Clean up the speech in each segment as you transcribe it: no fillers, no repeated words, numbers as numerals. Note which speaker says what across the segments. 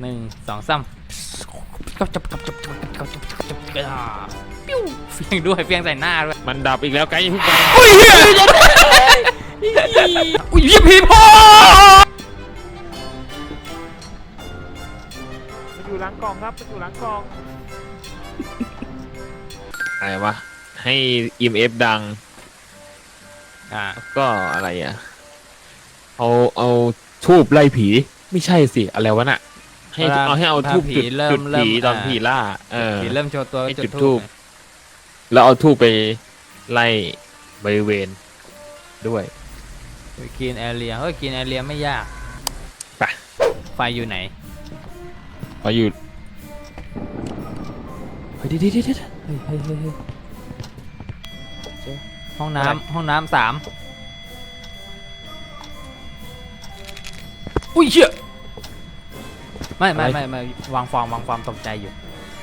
Speaker 1: 1 2 3ก็จับปิ้วเฟียงด้วยเฟียงใส่หน้าด้วย
Speaker 2: มันดับอีกแล้วไกด์อย่าเพิ่งไป
Speaker 1: อุ้ยอุ้ยพี่พ่อ
Speaker 3: มันอยู่หลังกล่องครับมันอยู่หลังกล่อง
Speaker 2: อะไรวะให้ EMF ดังก็อะไรอ่ะเอาทูบไล่ผีไม่ใช่สิอะไรวะน่ะให้เอาทูบจุดผีตอนผีล่า
Speaker 1: ผีเริ่มโชว์ตัว
Speaker 2: จุดทูบแล้วเอาทูบไปไล่บริเวณด้วย
Speaker 1: กินแอเรียกินแอเรียไม่ยาก
Speaker 2: ไป
Speaker 1: ไฟอยู่ไหน
Speaker 2: ไฟอยู่
Speaker 1: เฮ้ยห้องน้ำ3อุ้ยเชี่ยไม่วางฟอร์มตกใจอยู่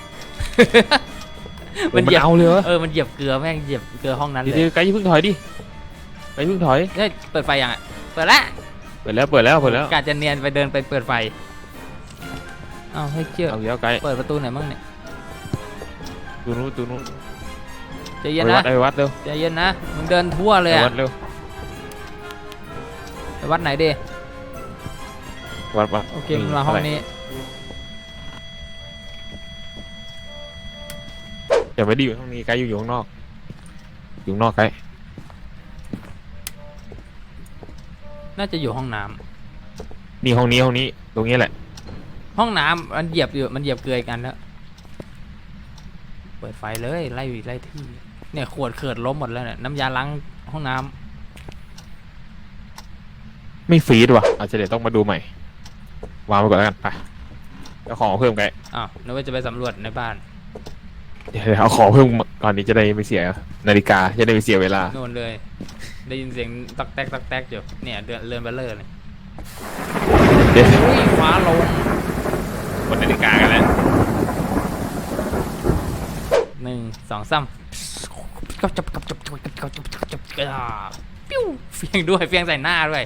Speaker 2: มันเหยียบเอาเลย
Speaker 1: มันเหยียบเกลือแม่งเหยียบเกลือห้องนั้นเลย
Speaker 2: ไกด์พึ่งถอยดิไกด์พึ่งถอย
Speaker 1: เปิดไฟยังอ่ะเปิดแล้วกะจะเนียนไปเดินไปเปิดไฟอ้าวให้เชี่ย
Speaker 2: เอาเดี๋ยวไกด์
Speaker 1: เปิดประตูไหนมั่งเนี่ย
Speaker 2: ตูนู้น
Speaker 1: ใจเย็นนะ
Speaker 2: ไปวัดเร็ว
Speaker 1: ใจเย็นนะมึงเดินทั่วเลยอ่ะ
Speaker 2: วัดเร็ว
Speaker 1: ไปวัดไหนดิ
Speaker 2: วัด
Speaker 1: โอเคมึงมาห้องนี้
Speaker 2: อย่าไปดิอยู่ห้องนี้ไกด์อยู่ข้างนอกไกด์
Speaker 1: น่าจะอยู่ห้องน้
Speaker 2: ำนี่ห้องนี้ตรงนี้แหละ
Speaker 1: ห้องน้ำมันเหยียบเกลือกันแล้วเปิดไฟเลยไล่ที่เนี่ยขวดเขิดล้มหมดแล้วเนี่ยน้ำยาล้างห้องน้
Speaker 2: ำไม่ฟีดว่ะอาจจะเดี๋ยวต้องมาดูใหม่วางไปก่อนแล้วกันไปเอาของเพิ่มไกด์
Speaker 1: นึกว่าจะไปสำรวจในบ้าน
Speaker 2: เดี๋ยวเอาของเพิ่มก่อนนี้จะได้ไม่เสียนาฬิกาจะได้ไม่เสียเวลา
Speaker 1: โน่นเลยได้ยินเสียงตักแตกอยู่เนี่ยเดินไปเลยฟ้าลง
Speaker 2: บนนาฬิกากันแล้ว
Speaker 1: 1 2 3ก็จับปิ้วเฟียงด้วยเฟียงใส่หน้าด้วย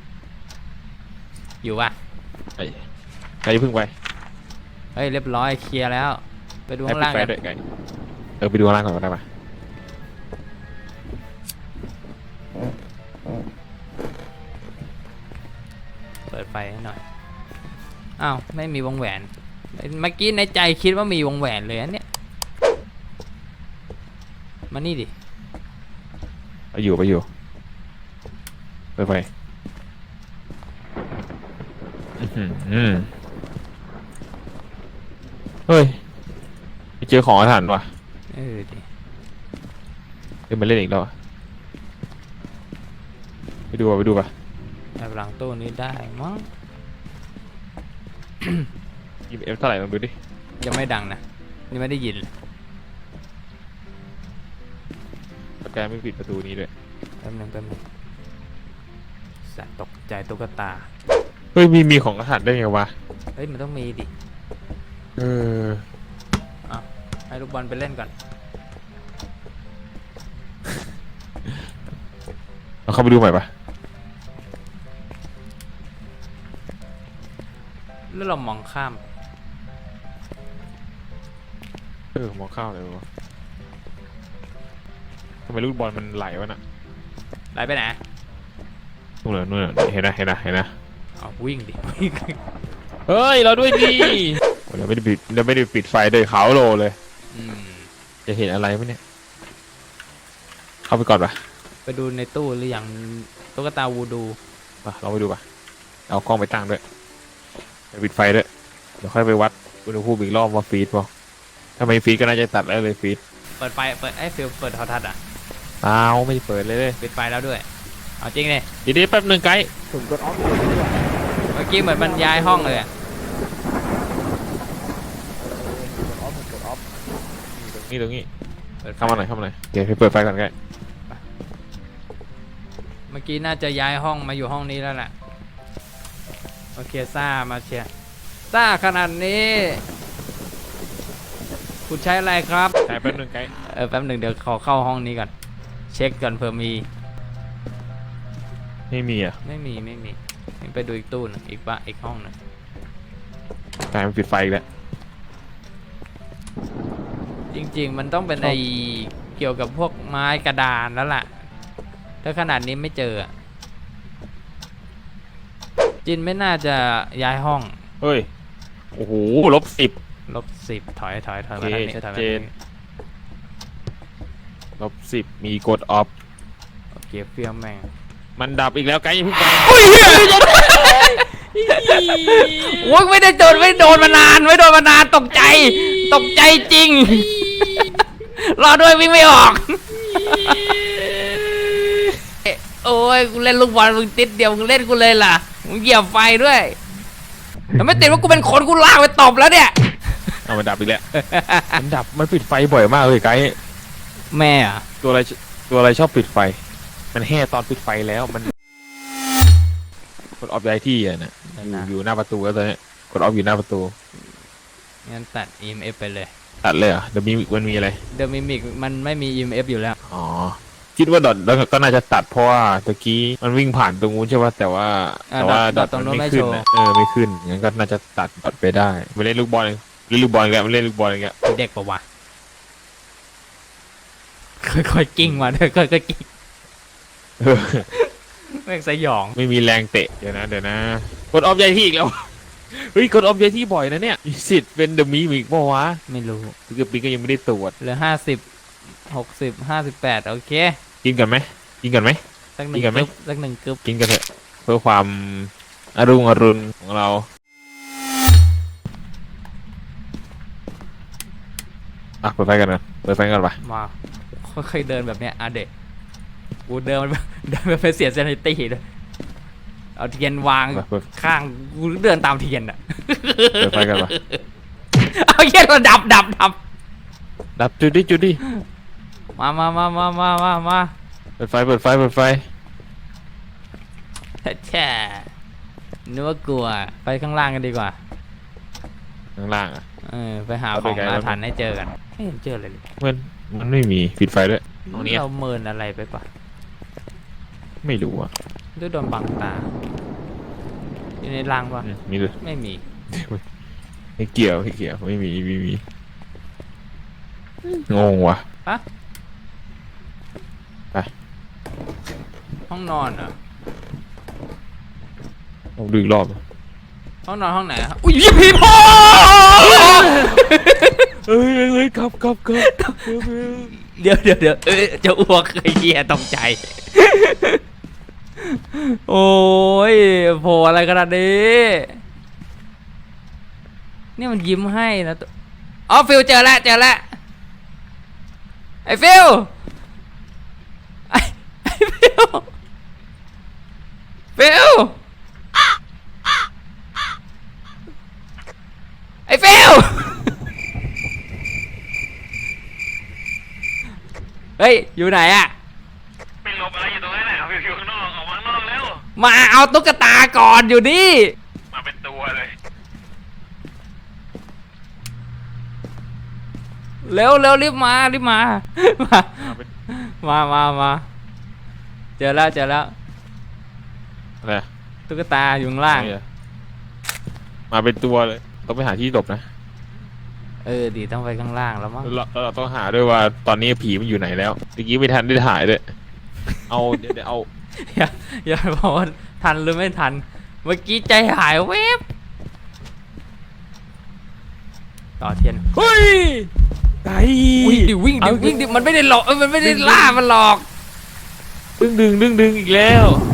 Speaker 1: อยู่ป่ะ
Speaker 2: ใครพึ่งไป
Speaker 1: เฮ้ยเรียบร้อยเคลียร์แล้วไปดูข้างล่างกัน
Speaker 2: ไปดูข้างล่างก่อนก็ได้ปะ
Speaker 1: เปิดไฟให้หน่อยอ้าวไม่มีวงแหวนเมื่อกี้ในใจคิดว่ามีวงแหวนเลยอันเนี้ยมานี่ดิ
Speaker 2: ไปอยู่เปิดไฟเฮ้ยไปเจอของอาถรรพ์ว่ะ
Speaker 1: ดิ
Speaker 2: เดี๋ยวมาเล่นอีกแล้วไปดูป่ะ
Speaker 1: แอบหลังตู้นี้ได้มั้ง
Speaker 2: EMF เท่าไหร่ลองดูดิ
Speaker 1: ยังไม่ดังนะนี่ไม่ได้ยิน
Speaker 2: สแกนไม่ปิดประตูนี้ด้วย
Speaker 1: แป๊บนึงสัตว์ตกใจตุ๊กตา
Speaker 2: เฮ้ยมีของอาถรรพ์ได้ไงวะ
Speaker 1: เฮ้ยมันต้องมีดิให้ลูกบอลไปเล่นก่อน
Speaker 2: เราเข้าไปดูใหม่ปะ
Speaker 1: แล้วเรามองข้าม
Speaker 2: มองข้ามเลยวะทำไมลูกบอลมันไหลวะน่ะ
Speaker 1: ไหลไปไหน
Speaker 2: นู่นเห็นนะ
Speaker 1: วิ่งดิ
Speaker 2: เฮ้ยเราด้วยดิเราไม่ได้ปิดไฟเลยขาวโลเลยจะเห็นอะไรไหมเนี่ยเข้าไปก่อนปะ
Speaker 1: ไปดูในตู้หรือยังตุ๊กตาวูดู
Speaker 2: เราไปดูปะเอากล้องไปตั้งด้วยไปปิดไฟด้วยเดี๋ยวค่อยไปวัดอุณหภูมิอีกรอบว่าฟีดป่ะถ้าไม่ฟีดก็น่าจะตัดแล้วเลยฟีด
Speaker 1: เปิดไฟฟิลเปิดโทรทัศน์
Speaker 2: ไม่เปิดเลย
Speaker 1: ปิดไฟแล้วด้วยเอาจริงเลย
Speaker 2: ดีแป๊บนึงไกด์
Speaker 3: ผมกดออฟ
Speaker 1: เมื่อกี้เหมือนมันย้ายห้องเลย
Speaker 2: ตรงนี้เข้ามาหน่อยเดี๋ยวไปเปิดไฟก่อนไกด์
Speaker 1: เมื่อกี้น่าจะย้ายห้องมาอยู่ห้องนี้แล้วแหละโอเคซ่ามาเชียร์ซ่าขนาดนี้คุณใช้อะไรครับ
Speaker 2: ใช้แป๊บนึงไกด์
Speaker 1: แป๊บนึงเดี๋ยวขอเข้าห้องนี้ก่อนเช็คก่อนเผื่อมี
Speaker 2: ไม่มีอ่ะ
Speaker 1: ไม่มีไปดูอีกตู้นึงอีกห้องนึง
Speaker 2: กลายเป็นปิดไฟอีกแล้ว
Speaker 1: จริงๆมันต้องเป็นไอเกี่ยวกับพวกไม้กระดานแล้วล่ะถ้าขนาดนี้ไม่เจออะจินไม่น่าจะย้ายห้อง
Speaker 2: เฮ้ยโอ้โห-10
Speaker 1: -10ถอยถอยถอย
Speaker 2: โอ
Speaker 1: มา
Speaker 2: เค
Speaker 1: ทางนี้
Speaker 2: ชัด
Speaker 1: ถอยมา
Speaker 2: เจ
Speaker 1: ทาง
Speaker 2: น
Speaker 1: นี้
Speaker 2: -10มีกดออฟ
Speaker 1: โอเคเฟี้ยวแม่ง
Speaker 2: มันดับอีกแล้วไกด์อย่าเพิ่งไป
Speaker 1: โอ้ยไม่ได้โดนมานานไม่โดนมานานตกใจจริง รอด้วยวิ่งไม่ออก โอ้ยกูเล่นลูกบอลมึงติดเดียวมึงเล่นกูเลยล่ะมึงเหยียบไฟด้วยแต่ไม่ติดว่ากูเป็นคนกูลากไปตบแล้วเนี่ย
Speaker 2: เอามันดับอีกแล้ว มันดับมันปิดไฟบ่อยมากเลยไกด์
Speaker 1: แม่อะ
Speaker 2: ตัวอะไรชอบปิดไฟ มันแห่ตอนปิดไฟแล้วมันกดออฟย้ายที่อ่ะนะอยู่หน้าประตูแล้วตอนนี้กดออฟอยู่หน้าประตู
Speaker 1: งั้นตัด EMF ไปเลย
Speaker 2: ตัดเลยเหรอเดี๋ยวมันมีอะไร
Speaker 1: เดอะมิมิกมันไม่มี EMF อยู่แล้ว
Speaker 2: อ๋อคิดว่าดอทแล้วก็น่าจะตัดเพราะว่าตะกี้มันวิ่งผ่านตรงนู้นใช่ป่ะแต่ว่าดอทมันไม่ขึ้นนะไม่ขึ้นงั้นก็น่าจะตัดดอทไปได้ไปเล่นลูกบอลเล่นลูกบอลกันเล่นลูกบอลกัน
Speaker 1: เด็กปะวะค่อยๆกิ้งมาด้วยค่อยๆกิ้งแม่งสยอง
Speaker 2: ไม่มีแรงเตะเดี๋ยวนะกดออฟย้ายที่อีกแล้วเฮ้ยกดออฟย้ายที่บ่อยนะเนี่ยมีสิทธิ์เป็นเดอะมีมิกป่าวะ
Speaker 1: ไม่รู้
Speaker 2: คือปีก็ยังไม่ได้ตรวจ
Speaker 1: เหลือ50 60 58โอเค
Speaker 2: กินกันไหม
Speaker 1: สักหนึ่ง
Speaker 2: กินกันไหม
Speaker 1: กึ๊บสักหนึ่งกึ๊บ
Speaker 2: กินกันเถอะเพื่อความอรุณของเราเปิดไฟกันปะ
Speaker 1: มาค่อยๆเดินแบบเนี้ยเด็กกูเดินแบบเป็นเสียเซนิตี้เลยเอาเทียนวางข้างกูเดินตามเทียนอ่ะ
Speaker 2: เปิดไฟกันปะ
Speaker 1: เอาเทียนมาดับ
Speaker 2: ดับจุดดิ
Speaker 1: มา
Speaker 2: เปิดไฟ
Speaker 1: แช่นึกว่ากลัวไปข้างล่างกันดีกว่า
Speaker 2: ข้างล่างอ่ะ
Speaker 1: ไปหาของอาถรรพ์ให้เจอกันไม่เห็นเจอเลย
Speaker 2: มันไม่มีปิดไฟด้วยตรงนี้
Speaker 1: เราเมินอะไรไปปะ
Speaker 2: ไม่รู้อ่ะ
Speaker 1: ด้วยโดนบังตาอยู่ในรังปะ
Speaker 2: มีด้วย
Speaker 1: ไม่มี
Speaker 2: ไม่เกี่ยวไม่มีงงว่ะ
Speaker 1: ห้องนอนเหรอ
Speaker 2: ผมดูอีกรอบ
Speaker 1: ห้องนอนห้องไหนอุ้ยพี่พ่อ
Speaker 2: เฮ้ยครับ
Speaker 1: เดี๋ยวจะอ้วกไอ้เหี้ยตกใจ โอ้ยโผล่อะไรขนาดนี้นี่มันยิ้มให้นะอ๋อฟิลเจอแล้วไอ้ฟิลไอ้ฟิลไอ้ฟิลเฮ้ยอยู่ไหนอะ
Speaker 3: ไปหลบอะไรอยู่ตรงนั้นน่ะอยู่ข้างนอกออกมาข้างนอกแล้ว
Speaker 1: มาเอาตุ๊กตาก่อนอยู่นี่
Speaker 3: มาเป็นตัวเลย
Speaker 1: เร็วรีบมา มาเจอแล้ว
Speaker 2: อะไร
Speaker 1: ตุ๊กตาอยู่ข้างล่าง
Speaker 2: มาเป็นตัวเลยต้องไปหาที่หลบนะ
Speaker 1: ดีต้องไปข้างล่างแล้วมั้ง
Speaker 2: เราต้องหาด้วยว่าตอนนี้ผีมันอยู่ไหนแล้วเมื่อกี้ไม่ทันได้ถ่ายด้วยเดี๋ยวเอา
Speaker 1: อย่าบอกว่าทันหรือไม่ทัน เมื่อกี้ใจหายเวบต่อเทียน
Speaker 2: เฮ้ยไก่
Speaker 1: วิ่งดิมันไม่ได้หลอกมันไม่ได้ล่ามันหลอก
Speaker 2: ดึงอีกแล้ว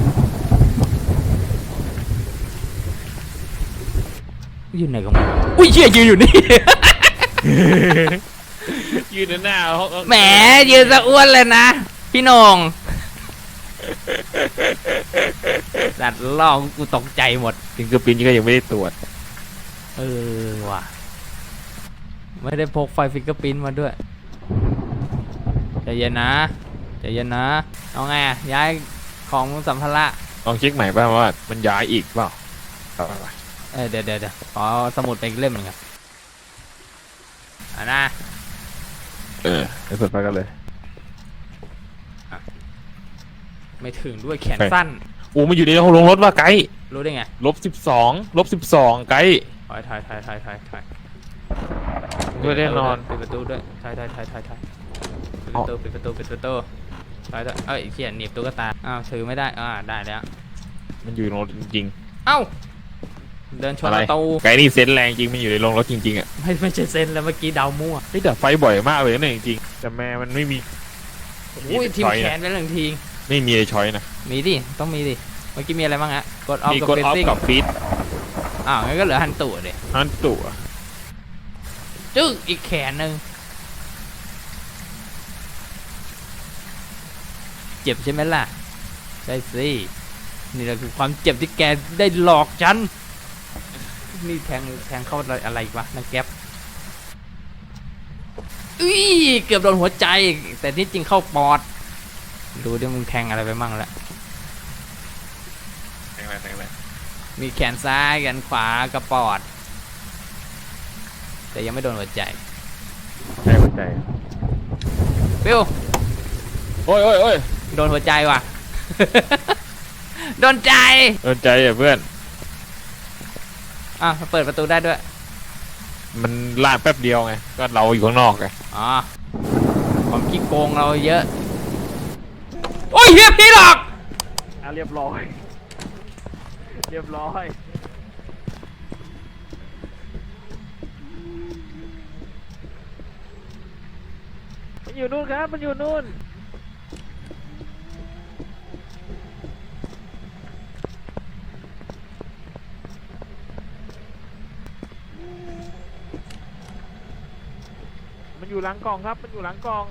Speaker 1: อยู่ไหนกันอุ้ยเชี่ยยืนอยู่นี่
Speaker 2: ยืนหน้าเขา
Speaker 1: แหมยืนสะอ้วนเลยนะพี่นงสัตว์ล่อกูตกใจหมด
Speaker 2: ฟิงเกอร์ปิ้นก็ยังไม่ได้ตรวจ
Speaker 1: ว่ะไม่ได้พกไฟฟิงเกอร์พิ้นมาด้วยใจเย็นนะเอาไงย้ายของสัมภาระ
Speaker 2: ลองเช็คใหม่ป่ะว่ามันย้ายอีกเปล่า
Speaker 1: เดี๋ยวขอสมุดไปอีกเล่มหนึ่งครับนะ
Speaker 2: ไปเปิดไฟกันเลย
Speaker 1: ไม่ถึงด้วยแขนสั้น
Speaker 2: มันอยู่ในห้องลงรถว่ะไกด์
Speaker 1: รู้ได้ไง
Speaker 2: -12ไกด์
Speaker 1: ถอย
Speaker 2: ด้วยแน่นอน
Speaker 1: ปิดประตูด้วยถอยปิดประตูถอยด้วยเอ้ยเขียนหนีบตุ๊กตาอ้าวถือไม่ได้ได้แล้ว
Speaker 2: มันอยู่ในรถจริง
Speaker 1: เอ้าเดินช
Speaker 2: ๆ
Speaker 1: น
Speaker 2: อะไร
Speaker 1: ประตู
Speaker 2: ไก่นี่เซนส์แรงจริงมันอยู่ในโรงรถจริงๆอ่ะ
Speaker 1: ไม่ใช่เซนแล้วเมื่อกี้เดามั่ว
Speaker 2: เฮ้ยแต่ไฟบ่อยมากเลยนะจริงๆแต่แม่มันไม่มี
Speaker 1: อุ้ยทีม
Speaker 2: ช้อย
Speaker 1: แข
Speaker 2: นะ
Speaker 1: นไปหนึ่งที
Speaker 2: ไม่มีช้อยนะ
Speaker 1: มีดิต้องมีดิเมื่อกี้มีอะไรบ้างฮะกดออฟ
Speaker 2: มี
Speaker 1: กับ
Speaker 2: กด
Speaker 1: เฟ
Speaker 2: ออฟ
Speaker 1: ซิ่ง
Speaker 2: กับฟีด
Speaker 1: อ้าวงั้นก็เหลือฮันตู่ดิ
Speaker 2: นั่นตัว
Speaker 1: จึ๊กอีกแขนหนึ่งเจ็บใช่ไหมล่ะใช่สินี่แหละคือความเจ็บที่แกได้หลอกฉันนี่แทงเข้าอะไรอีกวะนังแก๊ปอุ้ยเกือบโดนหัวใจแต่ที่จริงเข้าปอดดูดิมึงแทงอะไรไปมั่งละ
Speaker 2: แรงแรง
Speaker 1: มีแขนซ้ายแขนขวากระปอด แต่ยังไม่โดนหัวใจ
Speaker 2: ใช่หัวใจ
Speaker 1: ฟิว
Speaker 2: โอ้ย
Speaker 1: โดนหัวใจว่ะ โดนใจ
Speaker 2: โดนใจอ่ะเพื่อน
Speaker 1: เปิดประตูได้ด้วย
Speaker 2: มันลาดแป๊บเดียวไงก็เราอยู่ข้างนอกไง
Speaker 1: อ๋อความขี้โกงเราเยอะ โอ้ยเฮียพี่หรอก
Speaker 2: เรียบร้อยมันอยู่นู่นครับมันอยู่นู่นมันอยู่หลังกล่องครับมันอยู่หลังกล่อง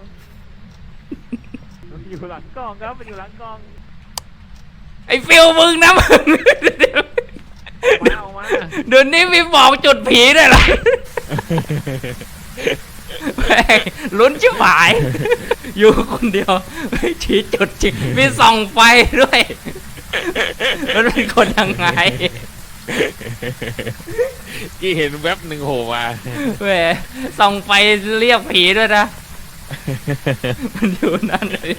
Speaker 2: มันอยู่หลังกล่องครับมันอยู่หลังกล่อง
Speaker 1: ไอ้ฟิวมึงนะมึง
Speaker 2: ออกมา
Speaker 1: เดี๋ยวนี้มีบอกจุดผีด้วยเหรอ แม่งลุ้นชิบหาย อยู่คนเดียวไม่ชี้จุดจริงมีส่องไฟด้วยมันเป็นคนยังไง
Speaker 2: กี่เห็นแว็บหนึ่งโผล่มา
Speaker 1: แหมส่องไฟเรียกผีด้วยนะ มันอยู่นั่นเลย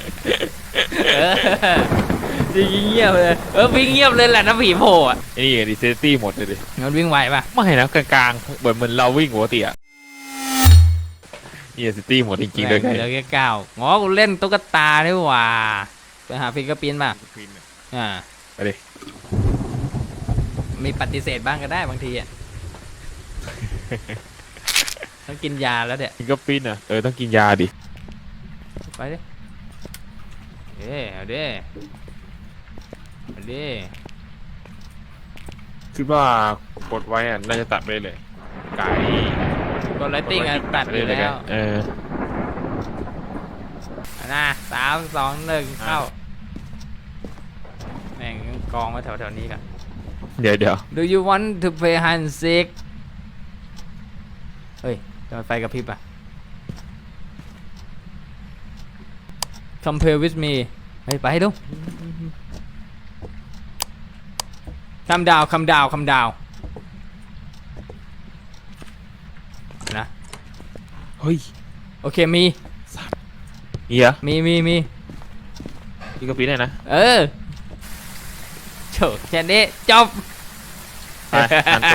Speaker 1: วิ่งเงียบเลยวิ่งเงียบเลยแหละนะผีโผล่อะ
Speaker 2: ไอ้นี่ดิเซตี้หมดเลยดิ
Speaker 1: มันวิ่งไวป่ะ
Speaker 2: ไม่นะกลางๆเหมือนเราวิ่งปกติอ่ะนี่เซตี้หมดจริงๆเลย
Speaker 1: เหลือแค่9อ๋อกูเล่นตุ๊กตานี่หว่าไปหาฟิกเกอร์ปินป่ะ
Speaker 2: ไปดิ
Speaker 1: มีปฏิเสธบ้างก็ได้บางทีอ่ะ ต้องกินยาแล้วเดี๋ย
Speaker 2: ฟิงเกอร์ปิ้นอ่ะต้องกินยาดิ
Speaker 1: ไปดิเอาดิ
Speaker 2: คิดว่ากดไว้อ่ะน่าจะตัดไปเลยไก่
Speaker 1: กดไลติ้งอ่ะตัดไปแล้ว นะ3 2 1เข้าแม่งกองไว้แถวๆนี้กัน
Speaker 2: เดี๋ยว
Speaker 1: Do you want to play hide and seek เฮ้ยทำไมไฟกระพริบอ่ะ Compare with me เฮ้ยไปดู Calm downนะ
Speaker 2: เฮ้ย
Speaker 1: โอเคมี
Speaker 2: เหี้ย
Speaker 1: มี
Speaker 2: ฟิงเกอร์ปิ้นเลยนะ
Speaker 1: โฉแค่นี้จบ
Speaker 2: ไปฮันตุ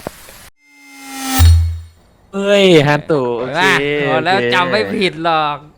Speaker 2: เฮ้ยฮันตุโอเค
Speaker 1: พอแล้วจำไม่ผิดหรอก